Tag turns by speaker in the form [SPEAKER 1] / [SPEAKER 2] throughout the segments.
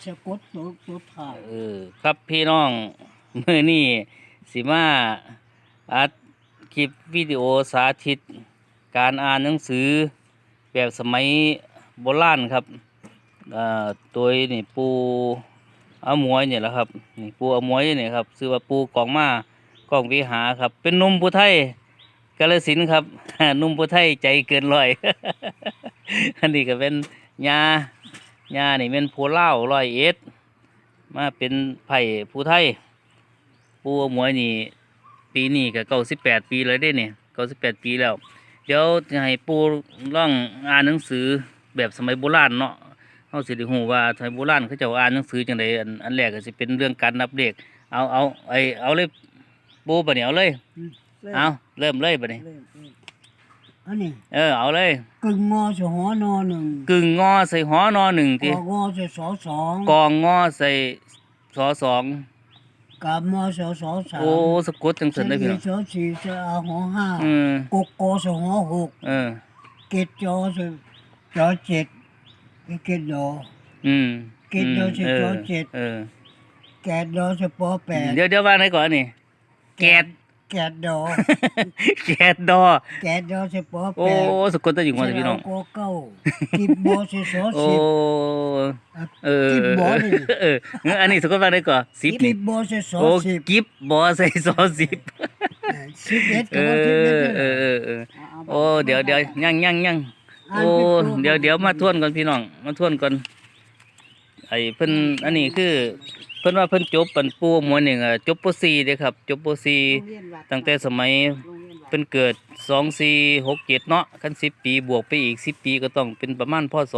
[SPEAKER 1] สะกดตัวถ่าย
[SPEAKER 2] ครับพี่น้องมื้อนี้สิมาอัดคลิปวิดีโอสาธิตการอ่านหนังสือแบบสมัยโบราณครับตัวนี่ปูอมวยเนี่ยแหละครับนี่ปูอมวยเนี่ยครับชื่อว่าปูกองมากองวิหาครับเป็นหนุ่มผู้ไทยกาฬสินธุ์ครับ หนุ่มผู้ไทยใจเกินร้อย อันนี้ก็เป็นญานี่เป็นผู้เล่า101มาเป็นไผ่ผู้ไทยปูอมวยนี่ปีนี้ก็98 ปีเลยได้เนี่ย98 ปีแล้วเดี๋ยวจะให้ปูล่องอ่านหนังสือแบบสมัยโบราณเนาะเฮาสิได้ฮู้ว่าสมัยโบราณเขาเจ้าอ่านหนังสือจังไดอันแรกก็สิเป็นเรื่องการนับเลขเอาเลยปูบัดนี้เอาเลยเอาเริ่มเลยบัดนี้
[SPEAKER 1] อันนี้
[SPEAKER 2] เอาเลย
[SPEAKER 1] กึ่งงอใส่หอนอหนึ่ง
[SPEAKER 2] กึ่งงอใส่หอนอหนึ่ง
[SPEAKER 1] ติกองงอใส่สอสอง
[SPEAKER 2] กองงอใส่สอสอง
[SPEAKER 1] กามอใส่สอสาม
[SPEAKER 2] โอ้สะกดจังซั่นได้พี่น้อง
[SPEAKER 1] สอสี่ใส่อาหอห้ากกอใส่หอหกเกตจอใส่จอเจ็ดเกตดอเกตดอใส่จอเจ็ดแกดดอใส่ปอแปด
[SPEAKER 2] เดี๋ยวว่าไหนก่อนนี่แกด
[SPEAKER 1] ดอ
[SPEAKER 2] แกดดอ
[SPEAKER 1] ใส่ปอแปด
[SPEAKER 2] โอ้สะกดได้อยู่ว่าพี่น้อง
[SPEAKER 1] กอเก้ากิบบอใส่สอสิบกิบบอ
[SPEAKER 2] นี่อันนี้สะกดว่าไหนก่อน10
[SPEAKER 1] กิบบอใส่สอสิบ
[SPEAKER 2] กิบบอใส่สอ10
[SPEAKER 1] 11ก็ว่า11
[SPEAKER 2] โอ้เดี๋ยวยังโอ้เดี๋ยวมาทวนก่อนพี่น้องมาทวนก่อนไอ้เพิ่นอันนี้คือเพิ่นว่าเพิ่นจบเป็นปูมวยนี่จบป .4 เด้ครับจบป .4 ตั้งแต่สมัยเพิ่นเกิด2467เนาะคัน10 ปีบวกไปอีก10 ปีก็ต้องเป็นประมาณพศ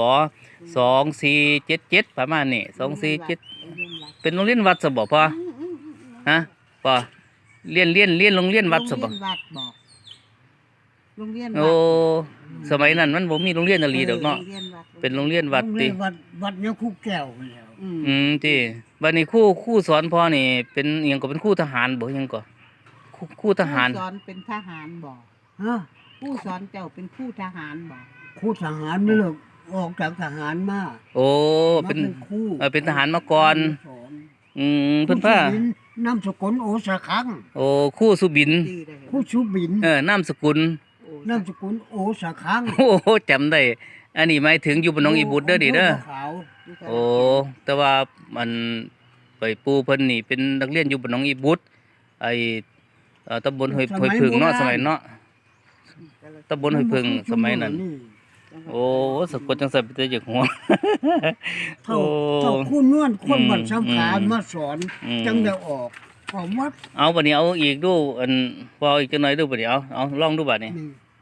[SPEAKER 2] 2477ประมาณนี้2477เป็นโรงเรียนวัดซะบ่พ่อฮะพ่อเรียนโรงเรียนวัดซะบ่
[SPEAKER 1] โรงเรียนวัด
[SPEAKER 2] โอ้สมัยนั้นมันบ่มีโรงเรียนอะลีดอกเนาะเป็นโรงเรียนวัดติ
[SPEAKER 1] วัดเนี่ยครูแก้วแล้ว
[SPEAKER 2] ติบัดนี้ครูสอนพ่อนี่เป็นอิหยังก็เป็นครูทหารบ่อิหยังก็ครูทหาร
[SPEAKER 3] สอนเป็นทหารบ่ครูสอนเจ้าเป็นครูทหารบ่
[SPEAKER 1] ครูทหารนี่ลูกออกจากทหารมา
[SPEAKER 2] โอ้เป็น
[SPEAKER 1] ครู
[SPEAKER 2] เป็นทหารมาก่อนเพิ่นพ
[SPEAKER 1] านามสกุลโอสะคัง
[SPEAKER 2] โอ้ครูสุบิน
[SPEAKER 1] ครูสุบิน
[SPEAKER 2] นามสกุล
[SPEAKER 1] โอสะคัง
[SPEAKER 2] โอ้จำได้อันนี้หมายถึงอยู่บนน้องอีบุตรเด้อดิเด้อโอ้แต่ว่ามันไปปูเพิ่นนี่เป็นนักเรียนอยู่บนน้องอีบุตรไอ้ตำบลห้วยผึ่งเนาะสมัยเนาะตำบลห้วยผึ่งสมัยนั้นโอ้สะกดจังซั่นไปแต่จากหัว
[SPEAKER 1] เท่าคู่นวลคนบัดสำคัญมาสอนจังได้ออกของวัด
[SPEAKER 2] เอาบัดนี้เอาอีกดูอันพออีกจังหน่อยดูบัดนี้เอาลองดูบัดนี้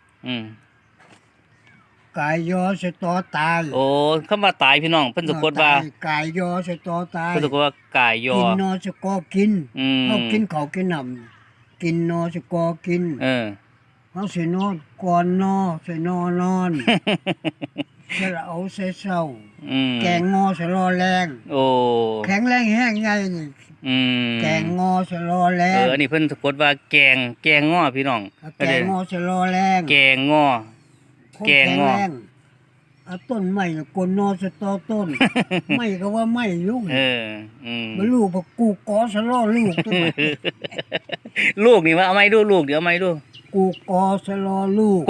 [SPEAKER 1] กายยอสตอตาย
[SPEAKER 2] โอ้คำว่าตายพี่น้องเพิ่นสะกดว่าก
[SPEAKER 1] ายยอสตอตาย
[SPEAKER 2] เพิ่นสะกดว่ากายยอ
[SPEAKER 1] กินนอสกอกินเฮากินข้าวกินน้ำกินนอสกอกินเฮาสินอนก่อนนอสินอนอนสระเอาใส่เช้าแกงงอสรอแรง
[SPEAKER 2] โอ้
[SPEAKER 1] แข็งแรงแห้งใหญ่นี่แกงงอสรอแรง
[SPEAKER 2] อันนี้เพิ่นสะกดว่าแกงงอพี่น้อง
[SPEAKER 1] แกงงอสรอแรง
[SPEAKER 2] แกงงอ
[SPEAKER 1] ต้นไม้กนนอสตอต้นไม่ก็ว่าไม่ยุ่งบ่ลูกบ่กูกอสรอลูก
[SPEAKER 2] ลูกนี่ว่าเอาไม้ดูลูกเดี๋ยวเอาไม้ดู
[SPEAKER 1] กูกอสรอลูก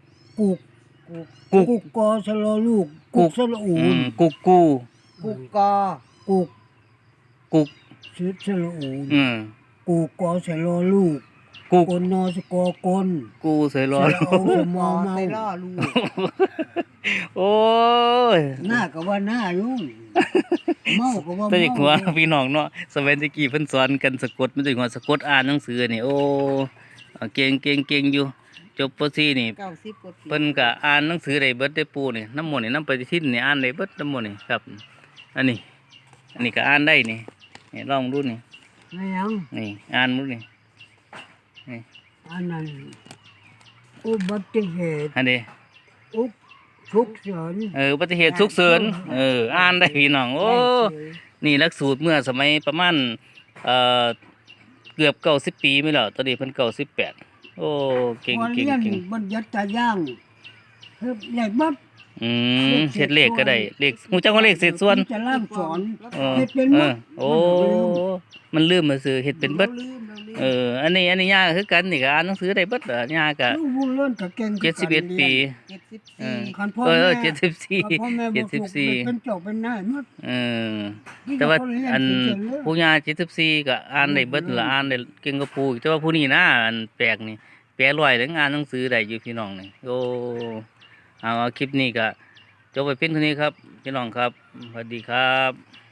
[SPEAKER 1] กูกอสรอลูกกุกสระอูน
[SPEAKER 2] กุก
[SPEAKER 1] กอ
[SPEAKER 2] กุก
[SPEAKER 1] ชื่อสระอูนกูกอสรอลูกกนนอสกอกน
[SPEAKER 2] กูใส่รอ
[SPEAKER 1] มอใส่รอลูก
[SPEAKER 2] โอ้ย
[SPEAKER 1] หน้าก็ว่าหน้ายุ่งเมาก็ว่า
[SPEAKER 2] แต่อีกหัวพี่น้องเนาะสมัยตะกี้เพิ่นสอนกันสะกดมันสิหัวสะกดอ่านหนังสือนี่โอ้เก่งอยู่จบป .4 นี่เพิ่นก็อ่านหนังสือได้เบิดได้ปูนี่น้ำมนต์นี่น้ำปฏิทินนี่อ่านได้เบิดน้ำมนต์นี่ครับอันนี้ก็อ่านได้นี่ลองดูนี่นี่อ่านดูนี่
[SPEAKER 1] อันนั้นอุบัติเหตุ
[SPEAKER 2] อันนี้
[SPEAKER 1] ฉุกเฉิน
[SPEAKER 2] อุบัติเหตุฉุกเฉินอ่านได้พี่น้องโอ้นี่หลักสูตรเมื่อสมัยประมาณเกือบ90 ปีไม่แล้วตอนนี้เพิ่น98โอ้เก่ง
[SPEAKER 1] บัญญัติตาย่างใหญ่บัด
[SPEAKER 2] เฮ็ดเลขก็ได้เลขฮู้จักว่าเลขเศษส่วน
[SPEAKER 1] จะล่ามสอน
[SPEAKER 2] เออ
[SPEAKER 1] เฮ็ดเป็นหมด
[SPEAKER 2] โอ้มันลืมมาซื้อเฮ็ดเป็นเบิด
[SPEAKER 3] ราลืมเราลืม
[SPEAKER 2] อันนี้ย่าก็คือกันนี่ก็อ่านหนังสือได้เบิดเหรอย่าก็
[SPEAKER 1] ลูกบุญเลื่อนก็เก่งคือกัน
[SPEAKER 2] 71 ปี
[SPEAKER 3] 74
[SPEAKER 1] คันพ่อ
[SPEAKER 2] เอ
[SPEAKER 1] แม่
[SPEAKER 2] อ
[SPEAKER 1] คันพ่อแม่บ่ถูก
[SPEAKER 2] 74
[SPEAKER 1] เป็นเจ้าเป็นนายหมด
[SPEAKER 2] เออแต่ว่าอันผู้ย่า74ก็อ่านได้เบิดละอ่านได้เก่งกว่าผู้อีกแต่ว่าผู้นี้นะอันแปลกนี่แปลร้อยถึงอ่านหนังสือได้อยู่พี่น้องนี่โอ้เอาคลิปนี้ก็จบไปเพียงเท่านี้ครับพี่น้องครับสวัสดีครับ